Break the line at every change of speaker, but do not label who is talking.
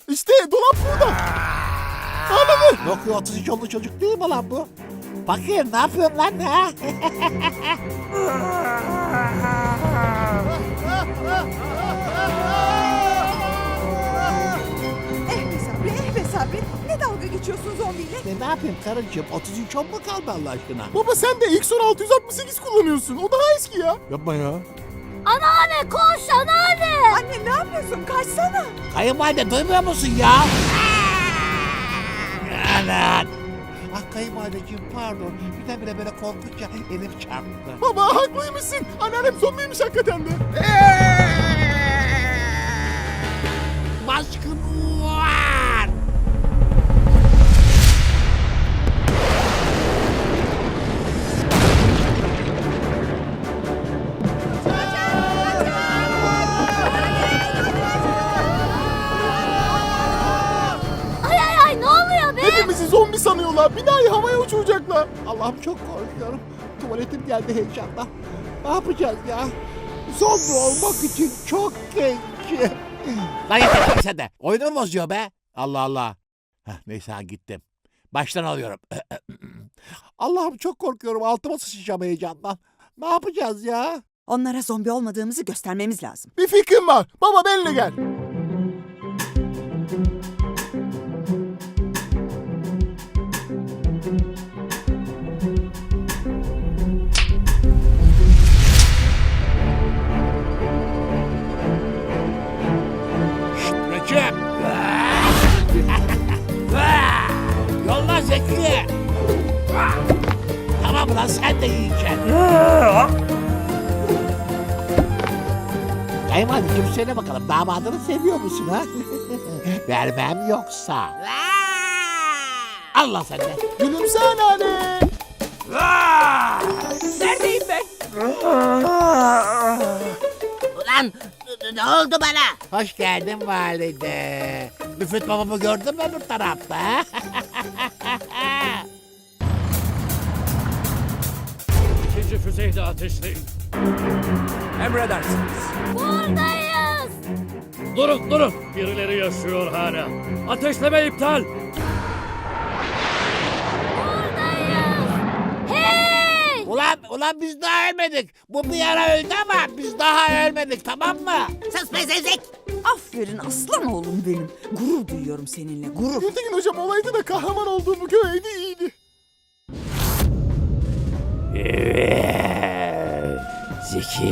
İşte dolap burada. Anladın?
Yok ya 33 yollu çocuk değil mi lan bu? Bakayım ne yapıyorsun lan ha?
Be Sabri. Ne dalga geçiyorsun zombiyle?
Ne yapayım karıcığım 33 yol mu kaldı Allah aşkına?
Baba sen de X-Son 668 kullanıyorsun. O daha eski ya.
Yapma ya.
Anneanne koş anneanne.
Anne ne yapıyorsun? Kaçsana.
Kayınvalide duymuyor musun ya? Anan. Ah kayınvalideciğim pardon. Birdenbire böyle korkunca elim çarptı.
Baba haklıymışsın. Anneannem zombiymiş hakikaten de.
Baskın var.
Ay ne oluyor be?
Hepimizi zombi sanıyorlar. Binayı havaya uçuracaklar.
Allah'ım çok korkuyorum. Tuvaletim geldi heyecandan. Ne yapacağız ya? Zombi olmak için çok genç. Lan yeter sen de. Oyunu mu bozuyor be? Allah Allah. Heh, neyse ha gittim. Baştan alıyorum. Allah'ım çok korkuyorum. Altıma sıçacağım heyecandan. Ne yapacağız ya?
Onlara zombi olmadığımızı göstermemiz lazım.
Bir fikrim var. Baba benimle gel.
Recep. Yolla Zeki. Tamam lan sen de yiyeceksin. Kayınvalideciğim söyle bakalım damadını seviyor musun ha? Vermem yoksa. Allah sen de.
Gülümse anneanne.
Neredeyim ben? Ulan ne oldu bana?
Hoş geldin valide. Müfit babamı gördün mü öbür tarafta?
İkinci füzeyi de ateşleyin. Emredersiniz.
Buradayız.
Durun. Birileri yaşıyor hala. Ateşleme iptal.
Buradayız. Hey!
Ulan biz daha ölmedik. Bu bir ara öldü ama biz daha ölmedik tamam mı?
Sus be zevzek.
Aferin aslan oğlum benim. Gurur duyuyorum seninle gurur.
Gültekin hocam olaydı da kahraman olduğumu göreydi iyiydi.
Zeki.